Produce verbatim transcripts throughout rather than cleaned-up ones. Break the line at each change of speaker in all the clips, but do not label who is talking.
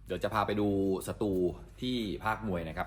เดี๋ยวจะพาไปดูสตูที่ภาคมวยนะครับ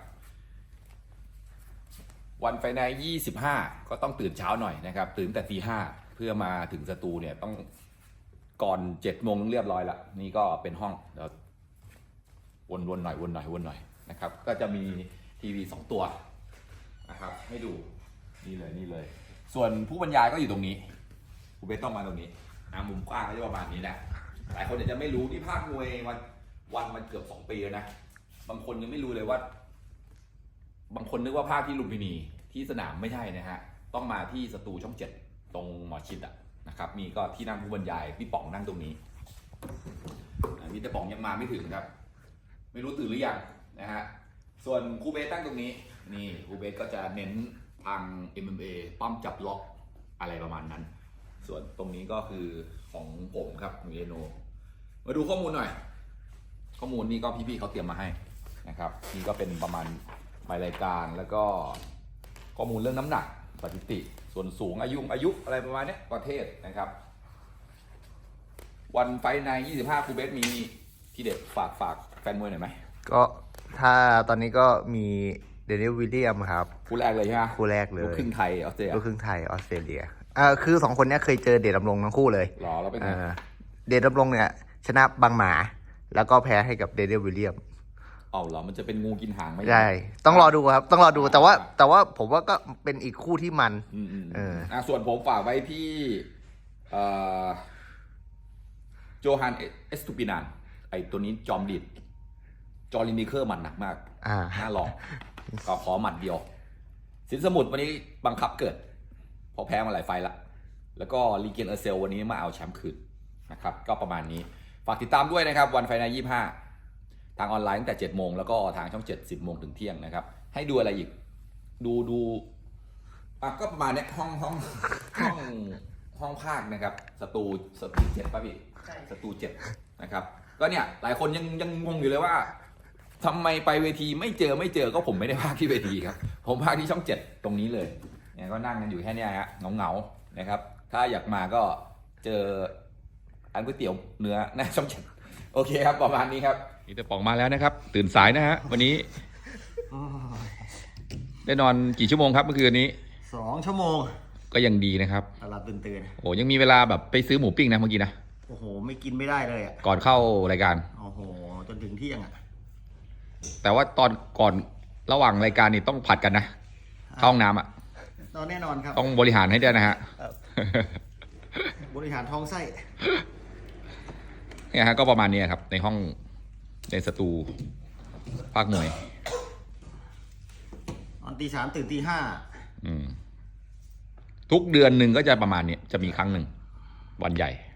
วันไฟในยี่สิบห้าก็ต้องตื่นเช้าหน่อยนะครับตื่นแต่ตีห้าเพื่อมาถึงสตูเนี่ยต้องก่อนเจ็ดโมงเรียบร้อยละนี่ก็เป็นห้องเดี๋ยววนๆหน่อยวนหน่อยวนหน่อยนะครับก็จะมีทีวีสองตัวนะครับให้ดูนี่เลยนี่เลยส่วนผู้บรรยายก็อยู่ตรงนี้ผู้เบสต้องมาตรงนี้นะมุมกว้างก็จะประมาณนี้แหละหลายคนอาจจะไม่รู้ที่ภาคมวยวันวันมันเกือบสองปีแล้วนะบางคนยังไม่รู้เลยว่าบางคนนึกว่าภาคที่ลุมพินีที่สนามไม่ใช่นะฮะต้องมาที่สตูช่องเจ็ดตรงหมอชิดอ่ะนะครับมีก็ที่นั่งผู้บรรยายพี่ป๋องนั่งตรงนี้พี่แต่ป๋องยังมาไม่ถึงครับไม่รู้ตื่นหรือยังนะฮะส่วนครูเบสตั้งตรงนี้นี่ครูเบสก็จะเน้นทาง เอ็ม เอ็ม เอ ปั้มจับล็อกอะไรประมาณนั้นส่วนตรงนี้ก็คือของผมครับของเอโนมาดูข้อมูลหน่อยข้อมูลนี้ก็พี่ๆเขาเตรียมมาให้นะครับนี่ก็เป็นประมาณหมายรายการแล้วก็ข้อมูลเรื่องน้ำหนักสถิติส่วนสูงอายุอายุอะไรประมาณนี้ประเทศนะครับวันไฟในยี่สิบห้าครูเบสมีที่เด็ดฝากฝากแฟนมวยหน่อยไหม
ก็ถ้าตอนนี้ก็มีเดนิลวิลเลียมครับ
คู่แรกเลยใช่ไหม
คู่แรกเลย
ลูกครึ่งไทยออสเตรเลีย
ลูกครึ่งไทยออสเตรเลียอ่าคือสองคนนี้เคยเจอเดชดำรงทั้งคู่เลย
หรอแล้วเป็นไง
เดชดำรงเนี่ยชนะบางหมาแล้วก็แพ้ให้กับเดนิลวิลเลียม
อ๋อเหรอมันจะเป็นงูกินหางไหม
ใช่ต้องรอดูครับต้องรอดูแต่ว่าแต่ว่าผมว่าก็เป็นอีกคู่ที่มัน
อืมเอออ่าส่วนผมฝากไว้ที่เอ่อโจฮันเอสตูปินานไอตัวนี้จอมดิดจอร์ลินิเคอร์มันหนักมาก
อ่า
น่าลองก็ขอหมัดเดียวสินสมุทรวันนี้บังคับเกิดเพราะแพ้มาหลายไฟละแล้วก็ลีเกนเออร์เซลวันนี้มาเอาแชมป์คืนนะครับก็ประมาณนี้ฝากติดตามด้วยนะครับวันไฟในยี่สิบห้าทางออนไลน์ตั้งแต่เจ็ดโมงแล้วก็ทางช่องเจ็ด สิบโมงถึงเที่ยงนะครับให้ดูอะไรอีกดูดูอ่ะก็ประมาณนี้ห้องห้องห้องห้องภาคนะครับสตูสตูเจ็ดป่ะพี่สตูเจ็ดนะครับก็เนี่ยหลายคนยังยังงงอยู่เลยว่าทำไมไปเวทีไม่เจอไม่เจอก็ผมไม่ได้พากที่เวทีครับผมพากที่ช่องเจ็ดตรงนี้เลยเนี่ยก็นั่งกันอยู่แค่นี้ฮะเงาเงานะครับถ้าอยากมาก็เจออันก๋วยเตี๋ยวเนื้อหน้าช่องเจ็ดโอเคครับประมาณนี้ครับนี่แต่ป๋องมาแล้วนะครับตื่นสายนะฮะวันนี้ได้นอนกี่ชั่วโมงครับเมื่อคืนนี้
สองชั่วโมง
ก็ยังดีนะครับ
หลับตื่นตื่น
โอ้ยังมีเวลาแบบไปซื้อหมูปิ้งนะเมื่อกี้นะ
โอ้โหไม่กินไม่ได้เลยอ่ะ
ก่อนเข้ารายการ
โอ้โหจนถึงเที่ยงอ่ะ
แต่ว่าตอนก่อนระหว่างรายการนี่ต้องผัดกันนะเข้าห้องน้ำอ่ะ
ตอนแน่นอนครับ
ต้องบริหารให้ได้นะฮะ
บริหารท้องไส้
เนี่ยฮะก็ประมาณนี้ครับในห้องในสตูภาคมวย
ตอนตีสามตื่นตีห้า
ทุกเดือนหนึ่งก็จะประมาณนี้จะมีครั้งหนึ่งวันใหญ่